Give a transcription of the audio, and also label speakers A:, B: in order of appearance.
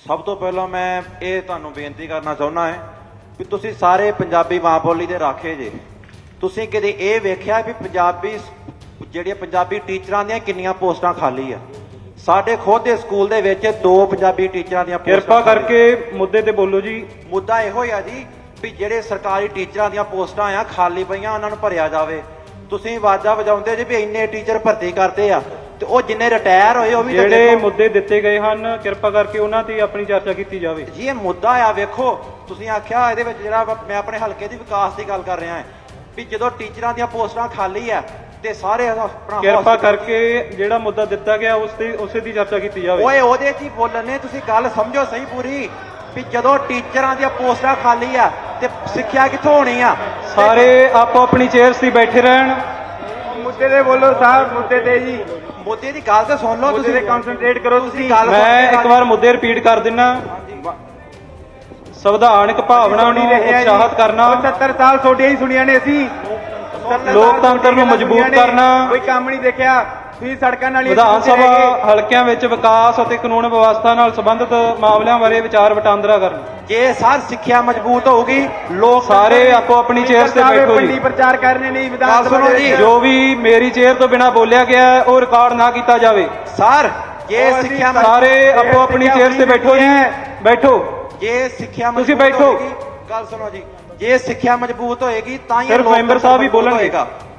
A: ਸਭ ਤੋਂ ਪਹਿਲਾਂ ਮੈਂ ਇਹ ਤੁਹਾਨੂੰ ਬੇਨਤੀ ਕਰਨਾ ਚਾਹੁੰਦਾ ਹਾਂ ਵੀ ਤੁਸੀਂ ਸਾਰੇ ਪੰਜਾਬੀ ਮਾਂ ਬੋਲੀ ਦੇ ਰਾਖੇ ਜੇ। ਤੁਸੀਂ ਕਦੇ ਇਹ ਵੇਖਿਆ ਵੀ ਜਿਹੜੀਆਂ ਪੰਜਾਬੀ ਟੀਚਰਾਂ ਦੀਆਂ ਕਿੰਨੀਆਂ ਪੋਸਟਾਂ ਖਾਲੀ ਆ? ਸਾਡੇ ਖੁਦ ਦੇ ਸਕੂਲ ਦੇ ਵਿੱਚ 2 ਪੰਜਾਬੀ ਟੀਚਰਾਂ ਦੀਆਂ ਪੋਸਟਾਂ।
B: ਕਿਰਪਾ ਕਰਕੇ ਮੁੱਦੇ ਤੇ ਬੋਲੋ ਜੀ।
A: ਮੁੱਦਾ ਇਹੋ ਹੀ ਆ ਜੀ ਵੀ ਜਿਹੜੇ ਸਰਕਾਰੀ ਟੀਚਰਾਂ ਦੀਆਂ ਪੋਸਟਾਂ ਆ ਖਾਲੀ ਪਈਆਂ ਉਹਨਾਂ ਨੂੰ ਭਰਿਆ ਜਾਵੇ। ਤੁਸੀਂ ਆਵਾਜ਼ਾਂ ਵਜਾਉਂਦੇ ਜੀ ਵੀ ਇੰਨੇ ਟੀਚਰ ਭਰਤੀ ਕਰਦੇ ਆ ਤੇ ਉਹ ਜਿੰਨੇ ਰਿਟਾਇਰ ਹੋਏ ਉਹ ਵੀ
B: ਜਿਹੜੇ ਮੁੱਦੇ ਦਿੱਤੇ ਗਏ ਹਨ ਕਿਰਪਾ ਕਰਕੇ ਉਹਨਾਂ ਤੇ ਆਪਣੀ ਚਰਚਾ ਕੀਤੀ ਜਾਵੇ
A: ਜੀ। ਇਹ ਮੁੱਦਾ ਆ ਵੇਖੋ, ਤੁਸੀਂ ਆਖਿਆ ਇਹਦੇ ਵਿੱਚ ਜਿਹੜਾ ਮੈਂ ਆਪਣੇ ਹਲਕੇ ਦੀ ਵਿਕਾਸ ਦੀ ਗੱਲ ਕਰ ਰਿਹਾ ਹਾਂ ਵੀ ਜਦੋਂ ਟੀਚਰਾਂ ਦੀਆਂ ਪੋਸਟਾਂ ਖਾਲੀ ਆ ਤੇ ਸਾਰੇ ਆਪਣਾ
B: ਕਿਰਪਾ ਕਰਕੇ ਜਿਹੜਾ ਮੁੱਦਾ ਦਿੱਤਾ ਗਿਆ ਉਸੇ ਦੀ ਚਰਚਾ ਕੀਤੀ ਜਾਵੇ।
A: ਓਏ ਉਹਦੇ 'ਚ ਹੀ ਬੋਲਣੇ, ਤੁਸੀਂ ਗੱਲ ਸਮਝੋ ਸਹੀ ਪੂਰੀ ਵੀ ਜਦੋਂ ਟੀਚਰਾਂ ਦੀਆਂ ਪੋਸਟਾਂ ਖਾਲੀ ਆ ਤੇ ਸਿੱਖਿਆ ਕਿੱਥੋਂ ਹੋਣੀ ਆ?
B: ਸਾਰੇ ਆਪੋ ਆਪਣੀ ਚੇਅਰਸ ਤੇ ਬੈਠੇ ਰਹਿਣ।
C: ਮੁੱਦੇ ਤੇ ਬੋਲੋ ਸਾਹਿਬ, ਮੁੱਦੇ ਤੇ ਜੀ।
A: ਮੁੱਦੇ ਦੀ ਗੱਲ ਤਾਂ ਸੁਣ ਲਓ, ਤੁਸੀਂ
C: ਕਨਸੈਂਟਰੇਟ ਕਰੋ। ਤੁਸੀਂ
B: ਮੈਂ ਇੱਕ ਵਾਰ ਮੁੱਦੇ ਰਿਪੀਟ ਕਰ ਦਿੰਨਾ। ਸੰਵਿਧਾਨਕ ਭਾਵਨਾ ਨੂੰ ਉਤਸ਼ਾਹਿਤ ਕਰਨਾ,
C: 70 ਸਾਲ ਤੁਹਾਡੀਆਂ ਹੀ ਸੁਣੀਆਂ ਨੇ ਅਸੀਂ।
B: ਲੋਕਤੰਤਰ ਨੂੰ ਮਜ਼ਬੂਤ ਕਰਨਾ,
C: ਕੋਈ ਕੰਮ ਨਹੀਂ ਦੇਖਿਆ। ਤੁਸੀਂ ਸੜਕਾਂ ਨਾਲ
B: ਵਿਧਾਨ ਸਭਾ ਹਲਕਿਆਂ ਵਿੱਚ ਵਿਕਾਸ ਅਤੇ ਕਾਨੂੰਨ ਵਿਵਸਥਾ ਨਾਲ ਸੰਬੰਧਿਤ ਮਾਮਲਿਆਂ ਬਾਰੇ ਵਿਚਾਰ ਵਟਾਂਦਰਾ ਕਰਨਾ।
A: ਜੇ ਸਰ ਸਿੱਖਿਆ ਮਜ਼ਬੂਤ ਹੋਊਗੀ, ਲੋਕ
B: ਸਾਰੇ ਆਪੋ ਆਪਣੀ ਚੇਅਰ ਤੇ ਬੈਠੋ ਜੀ।
C: ਪ੍ਰਚਾਰ ਕਰਨੇ ਨਹੀਂ ਵਿਧਾਨ
A: ਸੁਣੋ ਜੀ।
B: ਜੋ ਵੀ ਮੇਰੀ ਚੇਅਰ ਤੋਂ ਬਿਨਾਂ ਬੋਲਿਆ ਗਿਆ ਉਹ ਰਿਕਾਰਡ ਨਾ ਕੀਤਾ ਜਾਵੇ।
A: ਸਰ ਜੇ ਸਿੱਖਿਆ
B: ਸਾਰੇ ਆਪੋ ਆਪਣੀ ਚੇਅਰ ਤੇ ਬੈਠੋ ਜੀ, ਬੈਠੋ।
A: ਜੇ ਸਿੱਖਿਆ
B: ਤੁਸੀਂ ਬੈਠੋ।
A: ਗੱਲ ਸੁਣੋ ਜੀ, ਜੇ ਸਿੱਖਿਆ ਮਜ਼ਬੂਤ ਹੋਏਗੀ ਤਾਂ ਹੀ
B: ਸਿਰਫ ਮੈਂਬਰ ਸਾਹਿਬ ਹੀ ਬੋਲਣਗੇ।